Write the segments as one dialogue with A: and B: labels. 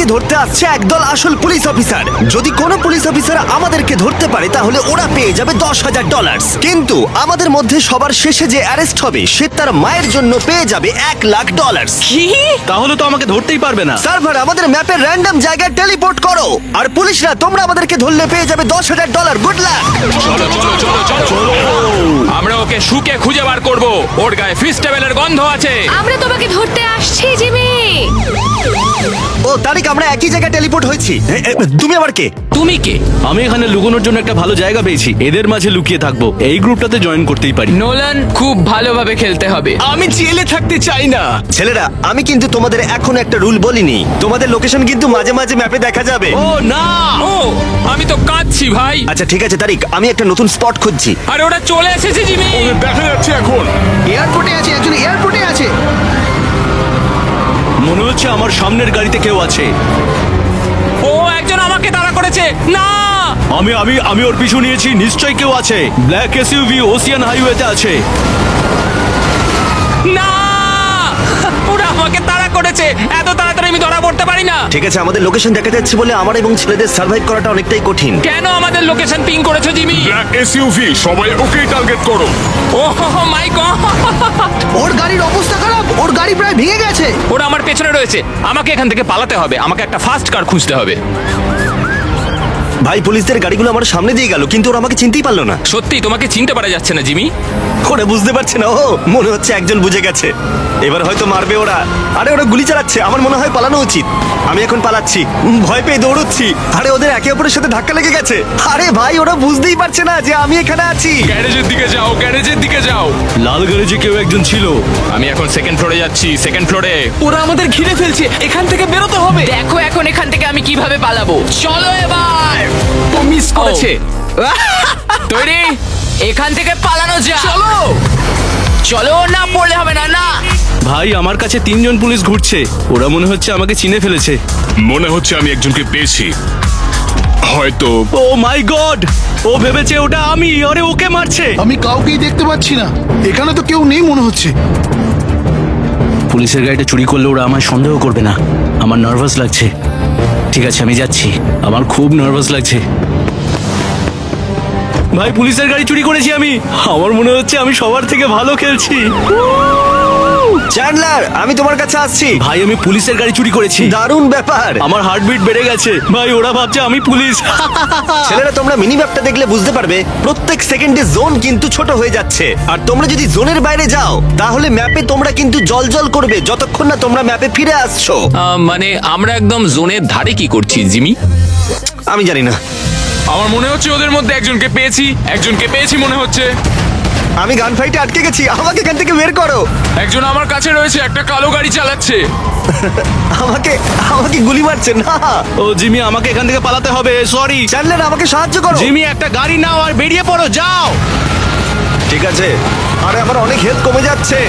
A: ধরতে আসছে একদল আসল পুলিশ অফিসার। যদি কোনো পুলিশ অফিসার আমাদেরকে ধরতে পারে তাহলে ওরা পেয়ে যাবে $10,000। কিন্তু আমাদের মধ্যে সবার শেষে যে অ্যারেস্ট হবে সে তার মায়ের জন্য পেয়ে যাবে $1,00,000।
B: কি?
C: তাহলে তো আমাকে ধরতেই পারবে না।
A: সার্ভার আমাদের ম্যাপের র্যান্ডম জায়গায় টেলিপোর্ট করো, আর পুলিশরা তোমরা আমাদেরকে ধরলে পেয়ে যাবে $10,000। Good luck.
D: চলো চলো চলো চলো চলো, আমরা ওকে শুকে খুঁজে বার করব। ওর গায়ে ফিশ টেবিলের গন্ধ আছে।
E: আমরা তোমাকে ধরতে আসছি জিমি।
A: ও তারিক, আমরা একই জায়গায় টেলিপোর্ট হয়েছি। তুমি আবার কে?
D: তুমি কে?
C: আমি এখানে লুকোনোর জন্য একটা ভালো জায়গা পেয়েছি, এদের মাঝে লুকিয়ে থাকবো। এই গ্রুপটাতে জয়েন করতেই পারি।
B: নোলান, খুব ভালোভাবে খেলতে হবে।
C: আমি জেলে থাকতে চাই না।
A: ছেলেরা, আমি কিন্তু তোমাদের এখন একটা রুল বলিনি। তোমাদের লোকেশন কিন্তু মাঝে মাঝে ম্যাপে দেখা যাবে।
C: ও না,
D: ও, আমি তো কাঁদছি ভাই।
A: আচ্ছা ঠিক আছে তারিক, আমি একটা নতুন স্পট খুঁজছি।
D: আরে ওরা চলে এসেছে জিমি।
F: দেখা যাচ্ছে এখন।
G: এয়ারপোর্টে আছে, একজন এয়ারপোর্টে আছে।
C: মনে হচ্ছে আমার সামনের গাড়িতে কেউ আছে।
D: ও একজন আমাকে তাড়া করেছে। না,
C: আমি আমি আমি ওর পিছু নিয়েছি, নিশ্চয়ই কেউ আছে। ব্ল্যাক এসইউভি ওসিয়ান হাইওয়েতে আছে।
D: না, ওরা আমাকে তাড়া করেছে। এত তাড়াতাড়ি আমি ধরা পড়তে পারি না।
A: ঠিক আছে, আমাদের লোকেশন দেখা যাচ্ছে বলে আমার এবং ছেলেদের সার্ভাইভ করাটা অনেকটাই কঠিন।
D: কেন আমাদের লোকেশন পিং করেছো জিমি?
F: ব্ল্যাক এসইউভি, সবাই ওকেই টার্গেট করো।
D: ও মাই গড,
G: ওর গাড়ির অবস্থা খারাপ, ওর গাড়ি প্রায় ভেঙে গেছে।
D: ওরা আমার পেছনে রয়েছে। আমাকে এখান থেকে পালাতে হবে। আমাকে একটা ফাস্ট কার খুঁজতে হবে।
A: ভাই, পুলিশদের গাড়িগুলো আমার সামনে দিয়ে গেল, কিন্তু ওরা আমাকে চিনতেই পারলো না।
D: সত্যি তোমাকে চিনতে পারা যাচ্ছে না জিমি।
A: ওরা বুঝতে পারছে না। ও মনে হচ্ছে একজন বুঝে গেছে, এবার হয়তো মারবে ওরা। আরে ওরা গুলি চালাচ্ছে, আমার মনে হয় পালানো উচিত। আমি এখন পালাচ্ছি, ভয় পেয়ে দৌড়চ্ছি। আরে ওদের একে অপরের সাথে ধাক্কা লেগে গেছে। আরে ভাই, ওরা বুঝতেই পারছে না যে আমি এখানে আছি।
D: গ্যারেজের দিকে যাও, গ্যারেজের দিকে যাও।
C: লাল গ্যারেজে কেউ একজন ছিল।
D: আমি এখন সেকেন্ড ফ্লোরে যাচ্ছি, সেকেন্ড ফ্লোরে।
B: ওরা আমাদের ঘিরে ফেলছে, এখান থেকে বেরোতে হবে। দেখো এখন এখান থেকে আমি কিভাবে পালাবো। চলো এবার। ও মিস করেছে।
D: তৈরি?
B: এখান থেকে পালানো যায়। চলো চলো, না পড়লে হবে না। না,
C: ভাই, আমার কাছে 3জন পুলিশ ঘুরছে। ওরা মনে হচ্ছে আমাকে চিনে ফেলেছে।
F: মনে হচ্ছে আমি একজনকে পেয়েছি, হয়তো।
C: ও মাই গড, ও ভেবেছে ওটা আমি। আরে ওকে মারছে।
G: আমি কাউকেই দেখতে পাচ্ছি না, এখানে তো কেউ নেই মনে হচ্ছে।
C: পুলিশের গাড়িটা চুরি করলে ওরা আমায় সন্দেহ করবে না। আমার নার্ভাস লাগছে। ঠিক আছে, আমি যাচ্ছি। আমার খুব নার্ভাস লাগছে। ভাই, পুলিশের গাড়ি চুরি করেছি আমি। আমার মনে হচ্ছে আমি সবার থেকে ভালো খেলছি।
A: চ্যান্ডলার, আমি তোমার কাছে আসছি।
C: ভাই, আমি পুলিশের গাড়ি চুরি করেছি।
A: দারুণ ব্যাপার।
C: আমার হার্টবিট বেড়ে গেছে। ভাই, ওরা ভাবছে আমি পুলিশ।
A: ছেলেরা, তোমরা মিনি ম্যাপটা দেখলে বুঝতে পারবে প্রত্যেক সেকেন্ডে জোন কিন্তু ছোট হয়ে যাচ্ছে। আর তোমরা যদি জোনের বাইরে যাও তাহলে ম্যাপে তোমরা কিন্তু জল করবে যতক্ষণ না তোমরা ম্যাপে ফিরে আসছো।
D: মানে আমরা একদম জোনের ধারে কি করছি জিমি?
A: আমি জানি না।
D: আমার মনে হচ্ছে ওদের মধ্যে একজনকে পেয়েছি মনে হচ্ছে।
A: আমি গান ফাইটে আটকে গেছি, আমাকে এখান থেকে বের করো।
D: একজন আমার কাছে রয়েছে, একটা কালো গাড়ি চালাচ্ছে।
A: আমাকে আমাকে গুলি মারছে না।
C: ও জিমি, আমাকে এখান থেকে পালাতে হবে। সরি
A: চ্যান্ডলার, আমাকে সাহায্য করো।
C: জিমি, একটা গাড়ি নাও আর বেরিয়ে পড়ো। যাও।
A: ঠিক আছে। আরে আমার অনেক হেলথ কমে যাচ্ছে।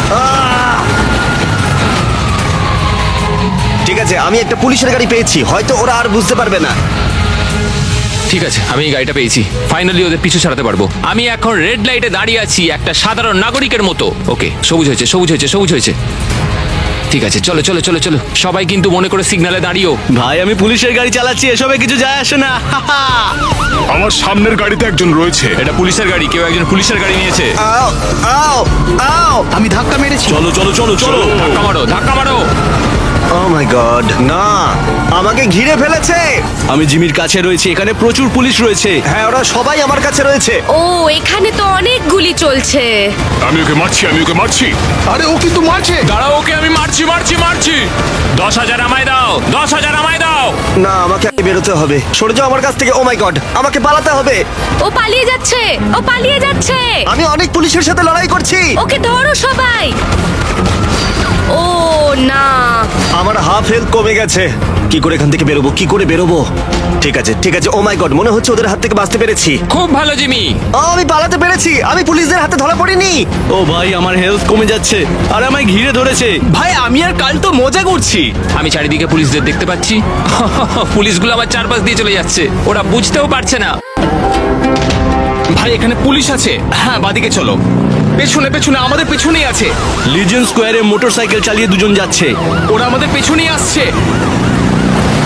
A: ঠিক আছে, আমি একটা পুলিশের গাড়ি পেয়েছি, হয়তো ওরা আর বুঝতে পারবে না।
D: ঠিক আছে, আমি এই গাড়িটা পেয়েছি। ফাইনালি ওদের পিছু ছাড়াতে পারবো। আমি এখন রেড লাইটে দাঁড়িয়ে আছি একটা সাধারণ নাগরিকের মতো। ওকে, সবুজ হয়েছে। ঠিক আছে, চলো চলো চলো চলো। সবাই কিন্তু মনে করে সিগন্যালে দাঁড়িয়েও।
C: ভাই, আমি পুলিশের গাড়ি চালাচ্ছি, এসবে কিছু যায় আসে না।
F: আমার সামনের গাড়িতে একজন রয়েছে।
D: এটা পুলিশের গাড়ি, কেউ একজন পুলিশের গাড়ি নিয়েছে।
A: আও আও আও।
G: আমি ধাক্কা মেরেছি।
C: চলো চলো চলো চলো।
D: ধাক্কা মারো।
A: ও মাই গড, না, আমাকে ঘিরে ফেলেছে।
C: আমি জিমির কাছে রয়েছি, এখানে প্রচুর পুলিশ রয়েছে।
A: হ্যাঁ, ওরা সবাই আমার কাছে রয়েছে।
E: ও, এখানে তো অনেক গুলি চলছে।
F: আমি ওকে মারছি।
G: আরে ও কিন্তু মারছে।
D: দাঁড়াও, ওকে আমি মারছি। 10,000 আমায় দাও, 10,000 আমায় দাও।
A: না, আমাকে আগে বেরোতে হবে। সরে যাও আমার কাছ থেকে। ও মাই গড, আমাকে পালাতে হবে।
E: ও পালিয়ে যাচ্ছে।
A: আমি অনেক পুলিশের সাথে লড়াই করছি।
E: ওকে ধরো সবাই। ও না,
A: আমার হাফ হেলথ কমে গেছে। কি করে এখান থেকে বেরোবো? ঠিক আছে। ও মাই গড, মনে হচ্ছে ওদের হাত থেকে বাঁচতে পেরেছি।
D: খুব ভালো জিমি।
A: আমি পালাতে পেরেছি। আমি পুলিশদের হাতে ধরা পড়িনি।
C: ও ভাই, আমার হেলথ কমে যাচ্ছে আর আমায় ঘিরে ধরেছে।
B: ভাই, আমি আর কাল তো মজা করছি।
D: আমি চারিদিকে পুলিশদের দেখতে পাচ্ছি। পুলিশগুলো আমার চারপাশ দিয়ে চলে যাচ্ছে। ওরা বুঝতেও পারছে না।
B: ভাই, এখানে পুলিশ আছে। হ্যাঁ, বাদিকে চলো। পেছনে আমাদের পেছনেই আছে।
C: লিজেন্ড স্কোয়ারে মোটরসাইকেল চালিয়ে দুজন যাচ্ছে।
B: ওরা আমাদের পেছনেই আসছে।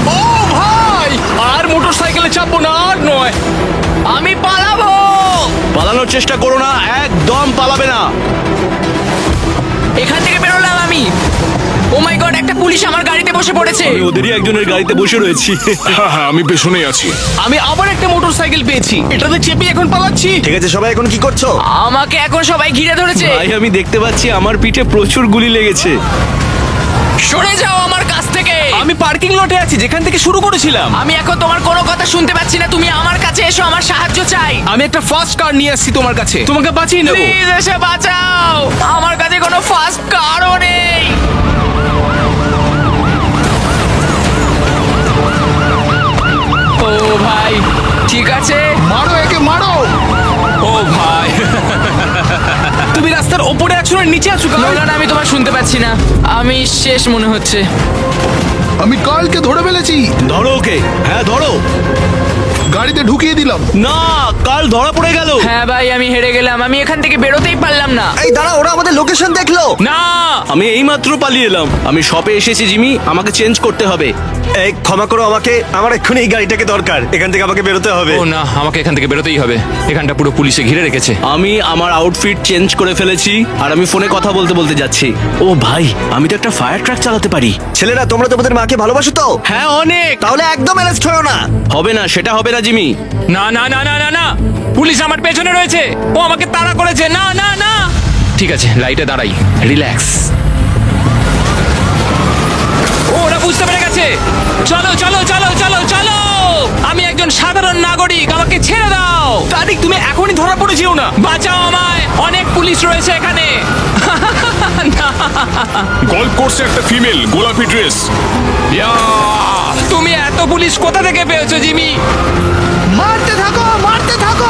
B: চাপবো না, আর নয়। আমি পালাবো।
C: পালানোর চেষ্টা করো না, একদম পালাবে না।
B: এখান থেকে বেরোলাম আমি। ও মাই গড, একটা পুলিশ আমার গাড়িতে বসে পড়েছে।
C: আমি ওদেরই একজনের গাড়িতে বসে রয়েছি।
F: হ্যাঁ হ্যাঁ আমি পেছনেই আছি।
B: আমি আবার একটা মোটরসাইকেল পেয়েছি, এটাতে চেপে এখন পালাচ্ছি।
A: ঠিক আছে সবাই এখন কি করছো?
B: আমাকে এখন সবাই ঘিরে ধরেছে।
C: ভাই আমি দেখতে পাচ্ছি আমার পিঠে প্রচুর গুলি লেগেছে।
B: সরে যাও আমার কাছ থেকে। আমি পার্কিং লটে আছি, যেখান থেকে শুরু করেছিলাম। আমি এখন তোমার কোনো কথা শুনতে পাচ্ছি না। তুমি আমার কাছে এসো, আমার সাহায্য চাই।
H: আমি একটা ফার্স্ট কার নিয়ে আসছি তোমার কাছে, তোমাকে বাঁচিয়ে নেবো।
B: প্লিজ এসে বাঁচাও, আমার কাছে কোনো ফাস্ট কারও নেই। ও ভাই, ঠিক আছে।
G: মারো একে মারো।
D: ও ভাই,
H: তুমি রাস্তার ওপরে আছো না নিচে আছো?
B: নোলান, আমি তোমার শুনতে পাচ্ছি না। আমি শেষ মনে হচ্ছে।
G: আমি কালকে ধরে ফেলেছি,
C: ধরো ওকে, হ্যাঁ ধরো।
G: গাড়িতে ঢুকিয়ে দিলাম।
C: না, কাল ধরা পড়ে গেল।
B: হ্যাঁ ভাই, আমি হেরে গেলাম। আমি এখান থেকে বেরোতেই পারলাম না।
A: এই দাঁড়া, ওরা আমাদের লোকেশন দেখলো।
D: না
C: আমি এইমাত্র পালিয়ে এলাম। আমি শপে এসেছি জিমি, আমাকে চেঞ্জ করতে হবে।
A: এই ক্ষমা করো আমাকে, আমার এক্ষুনি এই গাড়িটাকে দরকার। এখান থেকে আমাকে বেরোতে হবে।
D: ও না, আমাকে এখান থেকে বেরোতেই হবে। এখানটা পুরো পুলিশে ঘিরে রেখেছে।
C: আমি আমার আউটফিট চেঞ্জ করে ফেলেছি আর আমি ফোনে কথা বলতে বলতে যাচ্ছি। ও ভাই, আমি তো একটা ফায়ার ট্রাক চালাতে পারি।
A: ছেলেরা, তোমরা তোমাদের মাকে ভালোবাসো তো?
C: হ্যাঁ অনেক।
A: তাহলে একদম অ্যারেস্ট হয়েও না।
C: হবে না, সেটা হবে না জিমি।
D: না না না না না না, পুলিশ আমার পেছনে রয়েছে। ও আমাকে তাড়া করেছে। না না না। ঠিক আছে, লাইটে দাঁড়াই, রিল্যাক্স। ওরা বুঝতে পেরে গেছে। চলো চলো চলো চলো চলো। আমি একজন সাধারণ নাগরিক, আমাকে ছেড়ে দাও।
H: তারিক, তুমি এখনই ধরা পড়ে যেও না।
D: বাঁচাও আমায়, অনেক পুলিশ রয়েছে এখানে। না।
F: গল্ফ কোর্সে একটা ফিমেল, গোলাপি ড্রেস।
D: ইয়া, তুমি এত পুলিশ কোথা থেকে পেয়েছো জিমি?
G: মারতে থাকো মারতে থাকো।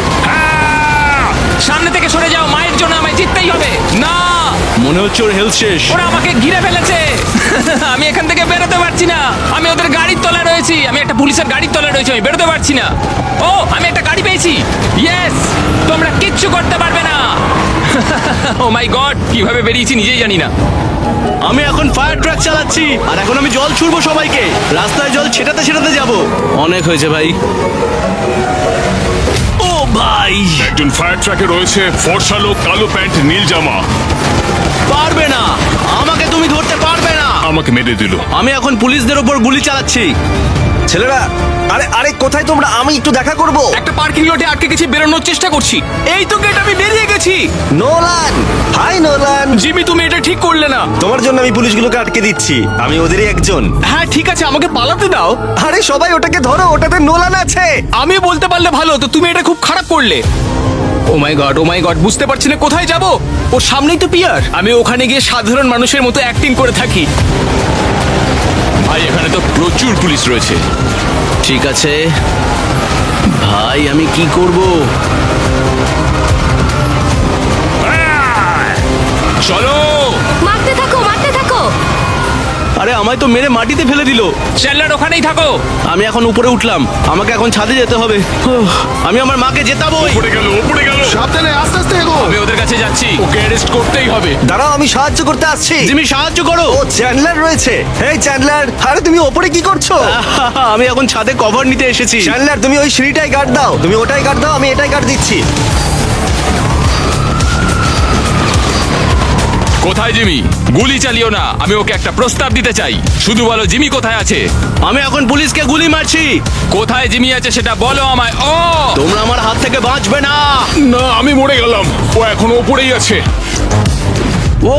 D: সামনে থেকে সরে যাও, মায়ের জন্য আমায় জিততেই হবে। না,
C: মনে হচ্ছে ওর হেলথ শেষ।
D: ওরা আমাকে ঘিরে ফেলেছে। আমি এখান থেকে বেরোতে পারছি না। আমি ওদের গাড়ির তলায় রয়েছি। আমি একটা পুলিশের গাড়ির তলায় রয়েছি, আমি বেরোতে পারছি না। ও, আমি একটা গাড়ি পেয়েছি। ইয়েস, তোমরা কিচ্ছু করতে পারবে না। ও মাই গড, কিভাবে বেরিয়েছি নিজেই জানি না।
C: আমি এখন ফায়ার ট্রাক চালাচ্ছি আর এখন আমি জল ছুড়বো সবাইকে। রাস্তায় জল ছেটাতে ছেটাতে যাব। অনেক হয়েছে ভাই। ও ভাই,
F: একজন ফায়ার ট্রাকে রয়েছে, ফর্সা লোক, কালো প্যান্ট, নীল জামা।
C: পারবে না, আমাকে তুমি ধরতে পারবে না।
F: আমাকে মেরে দিল।
C: আমি এখন পুলিশদের ওপর গুলি চালাচ্ছি।
A: ছেলেরা, আরে আরে কোথায় তোমরা? আমি একটু দেখা করব।
H: একটা পার্কিং লটে আটকে গেছি, বেরোনোর চেষ্টা করছি। এই তো গেট, আমি বেরিয়ে গেছি।
A: Nolan, hi Nolan.
H: জিমি, তুমি এটা ঠিক করলে না।
A: তোমার জন্য আমি পুলিশগুলোকে আটকে দিচ্ছি। আমি ওদেরই একজন।
H: হ্যাঁ ঠিক আছে, আমাকে পালাতে দাও।
A: আরে সবাই ওটাকে ধরো, ওটাতে নোলান আছে।
H: আমি বলতে পারলে ভালো হতো, তুমি এটা খুব খারাপ করলে। ও মাই গড, বুঝতে পারছি না কোথায় যাব। ওর সামনেই তো পিয়ার। আমি ওখানে গিয়ে সাধারণ মানুষের মতো অ্যাক্টিং করে থাকি।
D: ভাই, এখানে তো প্রচুর পুলিশ রয়েছে।
C: ঠিক আছে ভাই, আমি কি করব?
D: চলো।
E: মারতে থাকো মারতে থাকো।
C: আরে আমায় তো মেরে মাটিতে ফেলে দিল।
D: চ্যান্ডলার, ওখানেই থাকো।
C: আমি এখন উপরে উঠলাম, আমাকে এখন ছাদে যেতে হবে। আমি আমার মাকে জেতাবোই।
F: ওপরে গেল, ওপরে গেল।
G: সাবধানে আস্তে আস্তে এগো।
D: আমি ওদের কাছে যাচ্ছি।
H: ওকে অ্যারেস্ট করতেই হবে।
A: দাঁড়াও, আমি সাহায্য করতে আসছি।
C: জিমি সাহায্য করো।
A: ও চ্যান্ডলার রয়েছে। এই চ্যান্ডলার, আরে তুমি ওপরে কি করছো?
C: আমি এখন ছাদে কভার নিতে এসেছি।
A: চ্যান্ডলার, তুমি ওই সিঁড়িটাই গার্ড দাও। তুমি ওটাই গার্ড দাও, আমি এটাই গার্ড দিচ্ছি।
D: কোথায় জিমি? গুলি চালিও না। আমি ওকে একটা প্রস্তাব দিতে চাই। শুধু বলো জিমি কোথায় আছে।
C: আমি এখন পুলিশকে গুলি মারছি।
D: কোথায় জিমি আছে সেটা বলো আমায়। ও,
C: তোমরা আমার হাত থেকে বাঁচবে না।
F: না, আমি মরে গেলাম। ও এখন ওপরেই আছে।
C: ও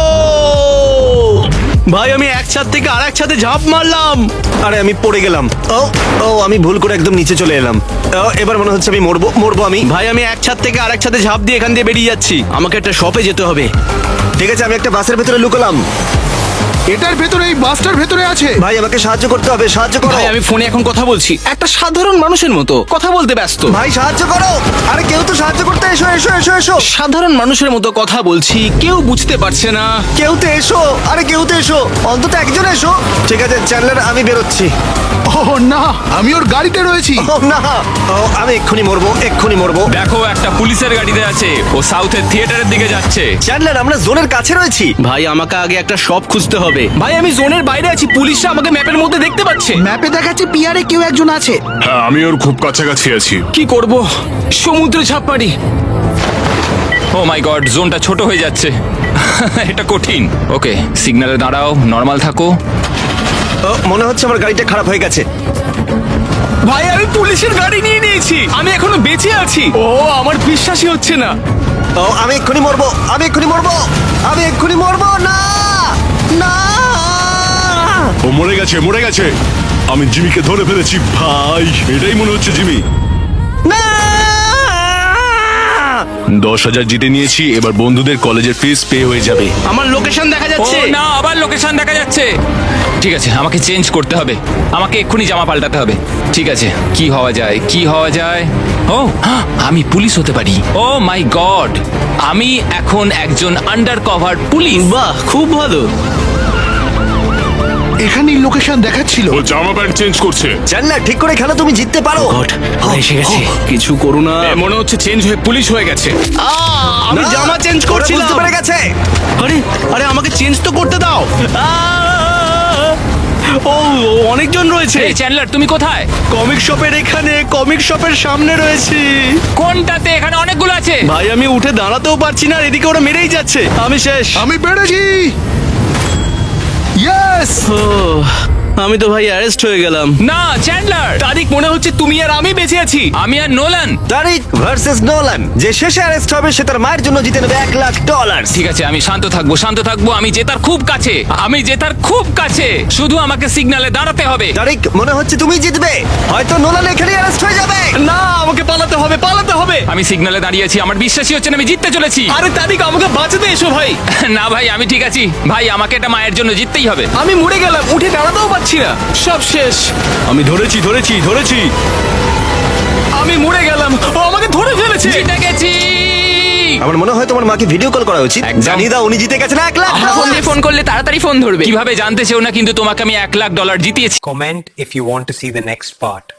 C: ভাই, আমি এক ছাদ থেকে আরেক ছাদে ঝাঁপ মারলাম।
A: আরে আমি পড়ে গেলাম। ও ও, আমি ভুল করে একদম নিচে চলে এলাম। এবার মনে হচ্ছে আমি মরবো আমি।
C: ভাই, আমি এক ছাদ থেকে আরেক ছাদে ঝাঁপ দিয়ে এখান দিয়ে বেরিয়ে যাচ্ছি। আমাকে একটা শপে যেতে হবে।
A: ঠিক আছে, আমি একটা বাসের ভেতরে লুকোলাম।
G: এটার ভেতরে, এই বাসটার ভেতরে আছে।
A: ভাই আমাকে সাহায্য করতে হবে, সাহায্য করো।
H: ভাই, আমি ফোনে এখন কথা বলছি, একটা সাধারণ মানুষের মতো কথা বলতে ব্যস্ত।
A: ভাই সাহায্য করো। আরে কেউ তো সাহায্য করতে এসো এসো এসো এসো।
H: সাধারণ মানুষের মতো কথা বলছি, কেউ বুঝতে পারছে না।
A: কেউ তো এসো, আরে কেউ তো এসো, অন্তত একজন এসো। ঠিক আছে চ্যান্ডলার, আমি বেরোচ্ছি।
G: ও না, আমি ওর গাড়িতে রয়েছি।
A: ও না, ও, আমি এক্ষুনি মরবো।
D: দেখো একটা পুলিশের গাড়িতে আছে, ও সাউথের থিয়েটারের দিকে যাচ্ছে।
A: চ্যান্ডলার, আমরা জোনের কাছে রয়েছি।
C: ভাই আমাকে আগে একটা শপ খুঁজতে হবে।
H: ভাই আমি জোনের বাইরে আছি, পুলিশরা আমাকে ম্যাপের মধ্যে দেখতে পাচ্ছে।
G: ম্যাপে দেখাচ্ছে পিয়ারে কেউ একজন আছে।
F: হ্যাঁ, আমি ওর খুব কাছাকাছি আছি।
H: কি করব? সমুদ্রে ঝাঁপ মারি।
D: ও মাই গড, জোনটা ছোট হয়ে যাচ্ছে। এটা কঠিন। ওকে, সিগন্যালে দাঁড়াও, নর্মাল থাকো।
A: ও, মনে হচ্ছে আমার গাড়িটা খারাপ হয়ে গেছে।
H: ভাই আমি পুলিশের গাড়ি নিয়ে নিয়েছি, আমি এখনো বেঁচে আছি। ও আমার বিশ্বাসই হচ্ছে না।
A: ও, আমি এক্ষুনি মরবো। না না,
F: ও মরে গেছে। আমি জিমিকে ধরে ফেলেছি ভাই, এটাই মনে হচ্ছে জিমি।
A: না
F: 10,000 জিতে নিয়েছি, এবার বন্ধুদের কলেজের ফিস পে হয়ে যাবে।
C: আমার লোকেশন দেখা
D: ও
C: যাচ্ছে।
D: না, আবার লোকেশন দেখা যাচ্ছে। ঠিক আছে, আমাকে চেঞ্জ করতে হবে, আমাকে এক্ষুনি জামা পাল্টাতে হবে। ঠিক আছে, কি হওয়া যায়? ও, আমি পুলিশ হতে পারি। ও মাই গড, আমি এখন একজন আন্ডার কভার পুলিশ।
C: বাহ, খুব ভালো।
G: এখানেই লোকেশন দেখাচ্ছিল।
F: ও জামা প্যান্ট চেঞ্জ করছে।
A: চ্যান্ডলার, ঠিক করে খেলো, তুমি জিততে পারো।
C: গড, ওরা এসে গেছে। কিছু করো না।
H: এ, মনে হচ্ছে চেঞ্জ হয়ে পুলিশ হয়ে গেছে।
C: আমি
A: না,
C: জামা চেঞ্জ
A: ওরা
C: করছিলাম।
A: বুঝতে পেরে গেছে।
C: আরে আরে আমাকে চেঞ্জ তো করতে দাও। ও অনেকজন রয়েছে।
D: এই চ্যান্ডলার, তুমি কোথায়?
C: কমিক শপের এখানে, কমিক শপের সামনে রয়েছি।
D: কোনটাতে? এখানে অনেকগুলো আছে।
C: ভাই আমি উঠে দাঁড়াতেও পারছি না, আর এদিকে ওরা মেরেই যাচ্ছে। আমি শেষ।
G: আমি পেরেছি। ইয়েস।
C: ও, আমি তো ভাই অ্যারেস্ট হয়ে গেলাম।
D: না চ্যান্ডলার,
H: তারিক মনে হচ্ছে তুমি আর আমি বেঁচে আছি।
D: আমি আর নোলান।
A: তারিক ভার্সেস নোলান, যে শেষে অ্যারেস্ট হবে সে তার মায়ের জন্য জিতে নেবে $1,00,000।
D: ঠিক আছে, আমি শান্ত থাকবো। আমি জেতার খুব কাছে। শুধু আমাকে সিগন্যালে দাঁড়াতে হবে।
A: তারিক, মনে হচ্ছে তুমি জিতবে। হয়তো নোলান এখানে অ্যারেস্ট হয়ে যাবে।
H: না, আমাকে পালাতে হবে।
D: আমি সিগন্যালে দাঁড়িয়ে আছি, আমার বিশ্বাসই হচ্ছে না আমি জিততে চলেছি।
H: আরে তারিক, আমাকে বাঁচাতে এসো ভাই।
D: না ভাই, আমি ঠিক আছি। ভাই, আমাকে এটা মায়ের জন্য জিততেই হবে।
H: আমি মরে গেলাম, উঠে দাঁড়াতেও পারছি না, সব শেষ।
C: আমি ধরেছি।
H: আমি মরে গেলাম, ও আমাকে ধরে ফেলেছে।
D: জিতে গেছি।
A: আমার মনে হয় তোমার মাকে ভিডিও কল করা উচিত।
D: একদম।
A: জানিয়ে দাও উনি জিতে গেছেন $1,00,000।
B: ফোন করলে তাড়াতাড়ি ফোন ধরবে।
D: কিভাবে জানতে চেও না, কিন্তু তোমাকে আমি $1,00,000 জিতিয়েছি।
I: Comment if you want to see the next part.